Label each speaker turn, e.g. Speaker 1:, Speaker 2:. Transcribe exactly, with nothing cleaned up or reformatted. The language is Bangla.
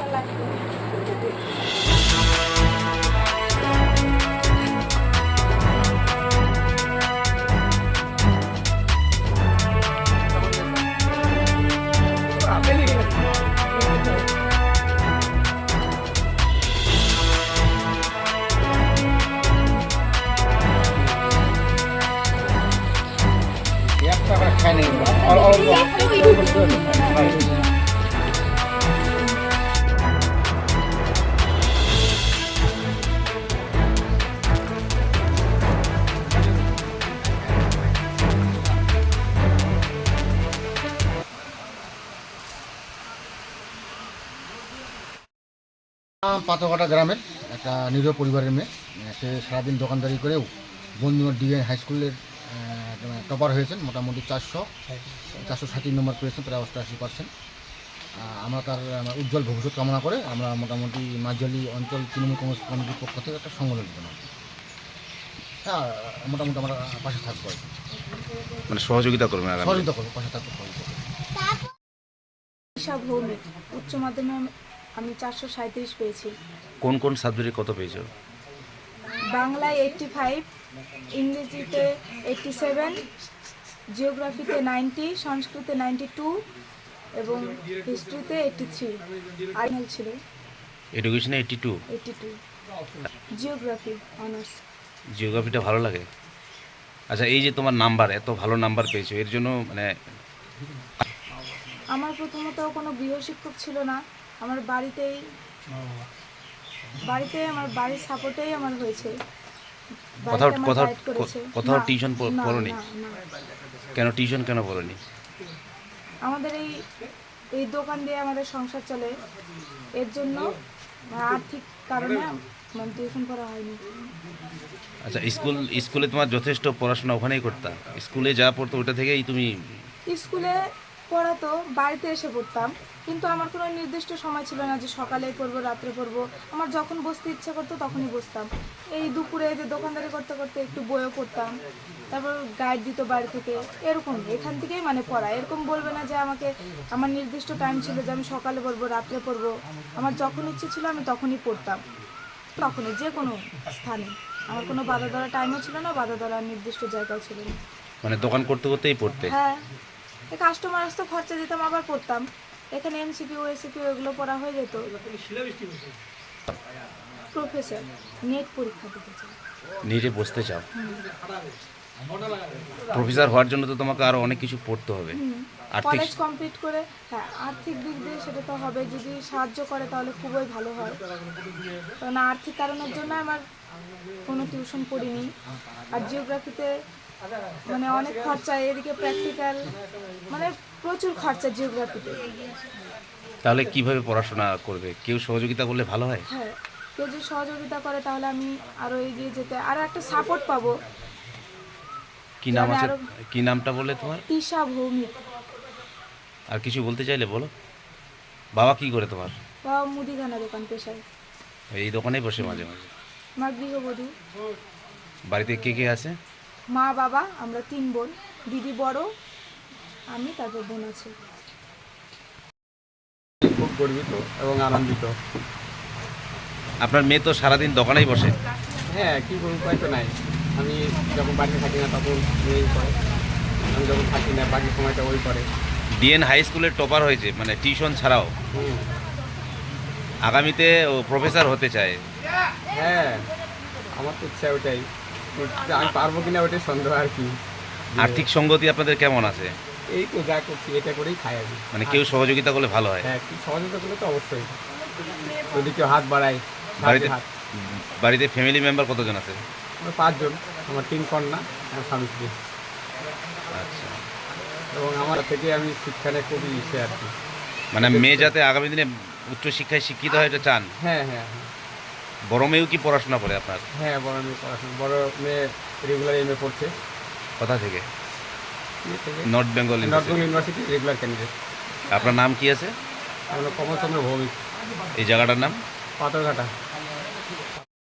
Speaker 1: পাথরঘাটা গ্রামের একটা নিরীহ পরিবারের মেয়ে। সে সারাদিন দোকানদারি করেও Bandhugarh DN high school topper হয়েছেন, মোটামুটি চারশো চারশো ষাট নম্বর পেয়েছেন, প্রায় অষ্টআশি পার্সেন্ট। আমরা তার উজ্জ্বল ভবিষ্যৎ কামনা করে আমরা মোটামুটি মাঝালি অঞ্চল তৃণমূল কংগ্রেস কমিটির পক্ষ থেকে একটা সংগঠন দিলাম। হ্যাঁ, মোটামুটি আমরা পাশে থাকবো,
Speaker 2: মানে সহযোগিতা করবেন,
Speaker 1: সহযোগিতা করবো, পাশে থাকবো, সহযোগিতা করবো।
Speaker 3: ভৌমিক উচ্চ মাধ্যমিক আমি চারশো সাঁত্রিশ পেয়েছি।
Speaker 2: কোন কোন সাবজেক্টে কত পেয়েছো?
Speaker 3: বাংলায় এইটটি ফাইভ, ইংরেজিতে এইটটি সেভেন, জিওগ্রাফিতে নাইনটি, সংস্কৃতে নাইনটি টু এবং হিস্ট্রিতে এইটটি থ্রি। আইনাল ছিল
Speaker 2: এডুকেশনে eighty two.
Speaker 3: Eighty two geography honours.
Speaker 2: জিওগ্রাফিটা ভালো লাগে? আচ্ছা, এই যে তোমার নাম্বার, এত ভালো নাম্বার পেয়েছো, এর জন্য মানে
Speaker 3: আমার প্রথমত কোনো গৃহশিক্ষক ছিল না, আমার বাড়িতেই বাড়িতে আমার বাড়ির সাপোর্টেই আমার হয়েছে।
Speaker 2: কোথাও কোথাও কোথাও টিউশন পড়োনি? কেন টিউশন কেন পড়োনি?
Speaker 3: আমাদের এই এই দোকান দিয়ে আমাদের সংসার চলে, এর জন্য আর্থিক কারণে মানে টিউশন পড়া হয়নি।
Speaker 2: আচ্ছা, স্কুল স্কুলে তোমার যথেষ্ট পড়াশোনা ওখানেই করতাম? স্কুলে যা পড়তো ওটা থেকেই তুমি?
Speaker 3: স্কুলে পড়াতো, বাড়িতে এসে পড়তাম, কিন্তু আমার কোনো নির্দিষ্ট সময় ছিল না যে সকালে পড়বো রাত্রে পড়বো। আমার যখন বসতে ইচ্ছা করতো তখনই বসতাম। এই দুপুরে যে দোকানদারি করতে করতে একটু বইও পড়তাম, তারপর গাইড দিত বাড়ি থেকে, এরকম এখান থেকেই মানে পড়া। এরকম বলবে না যে আমাকে আমার নির্দিষ্ট টাইম ছিল যে আমি সকালে পড়বো রাত্রে পড়বো। আমার যখন ইচ্ছে ছিল আমি তখনই পড়তাম, তখনই যে কোনো স্থানে। আমার কোনো বাধা ধরা টাইমও ছিল না, বাধা ধরার নির্দিষ্ট জায়গাও ছিল না।
Speaker 2: মানে দোকান করতে করতেই পড়তে?
Speaker 3: হ্যাঁ, কাস্টমার আসতো, খরচা দিতাম, আবার পড়তাম। এখানে এমসিকিউ এসিকিউ এগুলো পড়া হয়ে যেত। প্রফেসর নেট পরীক্ষা দিতে চাই।
Speaker 2: নেটে বসতে চাও? প্রফেসর হওয়ার জন্য তো তোমাকে আরো অনেক কিছু পড়তে হবে।
Speaker 3: কলেজ কমপ্লিট করে, হ্যাঁ, আর্থিক দিক দিয়ে সেটা তো হবে, যদি সাহায্য করে তাহলে খুবই ভালো হয়। কারণ আর্থিক কারণের জন্য আমার কোনো টিউশন পড়িনি। আর জিওগ্রাফিতে মানে অনেক খরচা, এদিকে প্র্যাকটিক্যাল, মানে প্রচুর খরচা জিওগ্রাফিতে।
Speaker 2: তাহলে কিভাবে পড়াশোনা করবে? কেউ সহযোগিতা করলে ভালো হয়?
Speaker 3: হ্যাঁ, কেউ যদি সহযোগিতা করে তাহলে আমি আরো এগিয়ে যেতে, আরো একটা সাপোর্ট পাবো।
Speaker 2: কি নাম আছে? কি নামটা বলে তোমার?
Speaker 3: তিশা ভৌমিক।
Speaker 2: আর কিছু বলতে চাইলে বলো। বাবা কি করে তোমার?
Speaker 3: বাবা মুদিখানা দোকান পেশায়।
Speaker 2: এই দোকানেই বসে মাঝে মাঝে?
Speaker 3: মা গৃহবধূ।
Speaker 2: বাড়িতে কে কে আছে?
Speaker 3: মা বাবা, আমরা তিন বোন, দিদি বড়, আমি, তারপর বোন আছে।
Speaker 4: খুব গর্বিত এবং আনন্দিত।
Speaker 2: আপনার মেয়ে তো সারাদিন দোকানেই বসে?
Speaker 4: হ্যাঁ, কী করবো, উপায় তো নাই। আমি যখন বাড়িতে থাকি না তখন মেয়েই করে, আমি যখন থাকি না বাকি সময়টা ওই করে।
Speaker 2: ডিএন হাই স্কুলের টপার হয়েছে, মানে টিউশন ছাড়াও।
Speaker 4: হুম,
Speaker 2: আগামীতে ও প্রফেসর হতে চায়।
Speaker 4: হ্যাঁ, আমার তো ইচ্ছা ওটাই, আমি পারবো কিনা ওটাই সন্দেহ আর কি।
Speaker 2: আর্থিক সঙ্গতি আপনাদের কেমন আছে?
Speaker 4: এই তো যা করছি এটা করেই খাই আমি।
Speaker 2: মানে কেউ সহযোগিতা করলে ভালো হয়?
Speaker 4: হ্যাঁ, একটু সহযোগিতা করলে তো অবশ্যই, যদি কেউ হাত বাড়ায়।
Speaker 2: বাড়িতে
Speaker 4: হাত
Speaker 2: বাড়িতে ফ্যামিলি মেম্বার কতজন আছে?
Speaker 4: আমরা পাঁচজন, আমার তিন কন্যা, আমার স্বামী স্ত্রী।
Speaker 2: আচ্ছা,
Speaker 4: এবং আমার থেকে আমি শিক্ষা নিয়ে খুবই ইচ্ছে আর কি।
Speaker 2: মানে মেয়ে যাতে আগামী দিনে উচ্চশিক্ষায় শিক্ষিত হয় এটা চান?
Speaker 4: হ্যাঁ হ্যাঁ হ্যাঁ।
Speaker 2: বড় মেয়েও কি পড়াশোনা করে আপনার?
Speaker 4: হ্যাঁ, বড় মেয়ে পড়াশোনা, বড় মেয়ে রেগুলার এম এ পড়ছে।
Speaker 2: কোথা থেকে? North Bengal
Speaker 4: North Bengal University regular candidate.
Speaker 2: আপনার নাম কি আছে?
Speaker 4: আমরা কমলচন্দ্র ভৌমিক।
Speaker 2: এই জায়গাটার নাম?
Speaker 4: পাথরঘাটা।